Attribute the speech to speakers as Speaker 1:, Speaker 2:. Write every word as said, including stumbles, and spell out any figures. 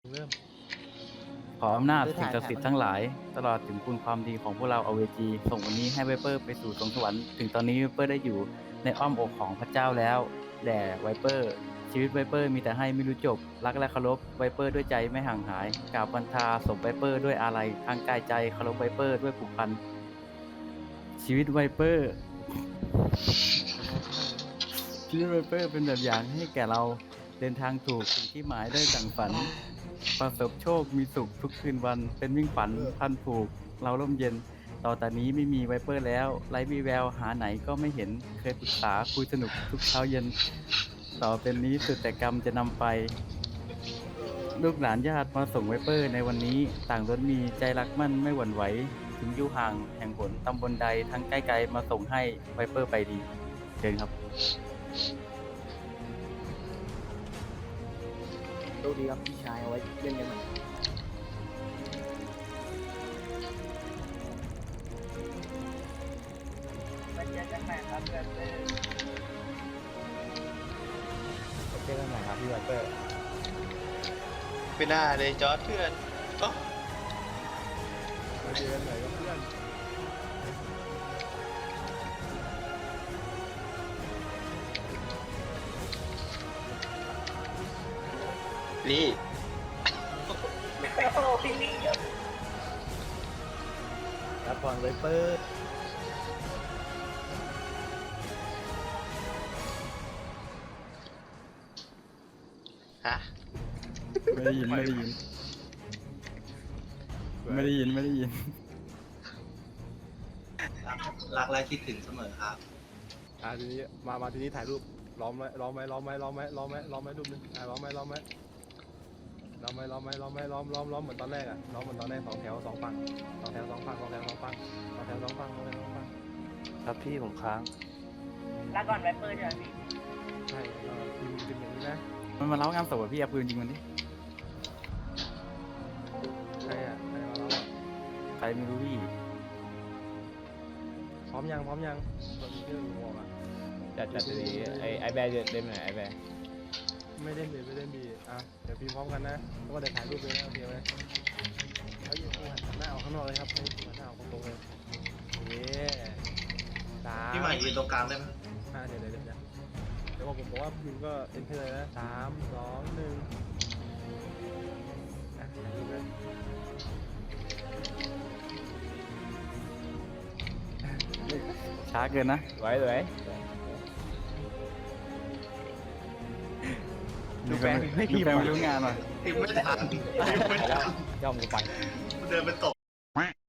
Speaker 1: เริ่ม
Speaker 2: ขออำนาจสิ่งศักดิ์สิทธิ์ทั้งหลายตลอดถึงคุณความดีของพวกเราอเวจีส่งวันนี้ให้ไวเปอร์ไปสู่สวงสวรรค์ถึงตอนนี้ไวเปอร์ได้อยู่ในอ้อมอกของพระเจ้าแล้วแด่ไวเปอร์ชีวิตไวเปอร์มีแต่ให้ไม่รู้จบรักและเคารพไวเปอร์ด้วยใจไม่ห่างหายกราบบันทาศพไวเปอร์ด้วยอาลัยทางกายใจเคารพไวเปอร์ด้วยผูกพันชีวิตไวเปอร์ชีวิตไวเปอร์เป็นแบบอย่างให้แก่เราเดินทางถูกถึงที่หมายได้ดั่งฝันประสบโชคมีสุขทุกคืนวันเป็นวิ่งฝันพันผูกเราร่มเย็นต่อแต่นี้ไม่มีไวเปอร์แล้วไร้วีแววหาไหนก็ไม่เห็นเคยปรึกษาคุยสนุกทุกเช้าเย็นต่อเป็นนี้สุดแต่กรรมจะนำไปลูกหลานญาติมาส่งไวเปอร์ในวันนี้ต่างล้วนมีใจรักมั่นไม่หวั่นไหวถึงอยู่ห่างแห่งหนตำบลใดทั้งใกล้ไกลมาส่งให้ไวเปอร์ไปดีเชิญครับ
Speaker 1: โชคดีครับพี่ชายเอาไว้เล่นกันใหม่
Speaker 3: ไปเจอกันใหม่ครับเพื่อนเพื่อน
Speaker 1: เจอกันใหม่ครับพี่ไวเปอร์
Speaker 4: ไม่น่าเลยจอร์ดเพื่อนโอ้
Speaker 1: มาเจอกันใหม่ครับเพื่อน
Speaker 4: ลี่
Speaker 3: โอ้พี่ลี่
Speaker 1: รับพรไวเปอร์
Speaker 4: ฮะ
Speaker 2: ไม่ได้ยินไม่ได้ยินไม่ได้ยินไม่ได้ยิน
Speaker 5: รักและคิดถึงเสมอครับ
Speaker 1: อ่าทีนี้มามาทีนี้ถ่ายรูปล้อมไหมล้อมไหมล้อมไหมล้อมไหมล้อมไหมล้อมไหมรูปนึงอ่าล้อมไหมล้อมไหมล้อมไหมล้อมไหมล้อมไหมล้อมล้อมล้อมเหมือนตอนแรกอ่ะล้อมเหมือนตอนแรกสองแถวสองฝั่งสองแถวสองฝั่งสองแถวสองฝั่งสองแถวสองฝั่งสองแถวสองฝั่ง
Speaker 6: ครับพี่ผมค้าง
Speaker 3: ลาก่อนไวเปอร์ใช่ไหมพี่
Speaker 1: ใช่เออพิมพ์เป็นอย่างนี้นะ
Speaker 2: มันมาเล่างานศพอะพี่เอาปืนยิงมันดิ
Speaker 1: ใช่อ่ะใช่มาแล้วอะ
Speaker 2: ใครไม่รู้พี่
Speaker 1: พร้อมยังพร้อมยังตอนนี้เรื่องหัวมา
Speaker 6: จัดจัดดีไอไอแบร์เล่นไหนไอแบร์
Speaker 1: ไม่เล่นดีไม่เล่นดีอ่ะเดี๋ยวพิมพ์พร้อมกันนะเพราะว่าเดี๋ยวถ่ายรูปเลยนะโอเคไหมเอาอยู่หันหน้าออกข้างนอกเลยครับให้หันหน้าออกตรงๆเลยเย้สาม
Speaker 5: พี่ใหม่ยืนตรงกลางได้ไหม
Speaker 1: อ่ะเดี๋ยวเดี๋ยวเดี๋ยวเดี๋ยวเดี๋ยวผมบอกว่าพิมพ์ก็เอ็นให้เลยนะสามสองหนึ่งอ่ะถ่ายรูปเลย
Speaker 2: ช้าเกินนะ
Speaker 6: สวยสวย
Speaker 2: ดูแฟนไม่ดูแฟนไม่รู้งานหน่อย
Speaker 5: ติดไม่ทันติดไม่
Speaker 6: ไปแล้ว
Speaker 5: ทัน
Speaker 6: ย่อมกูไป
Speaker 5: เดินไปตก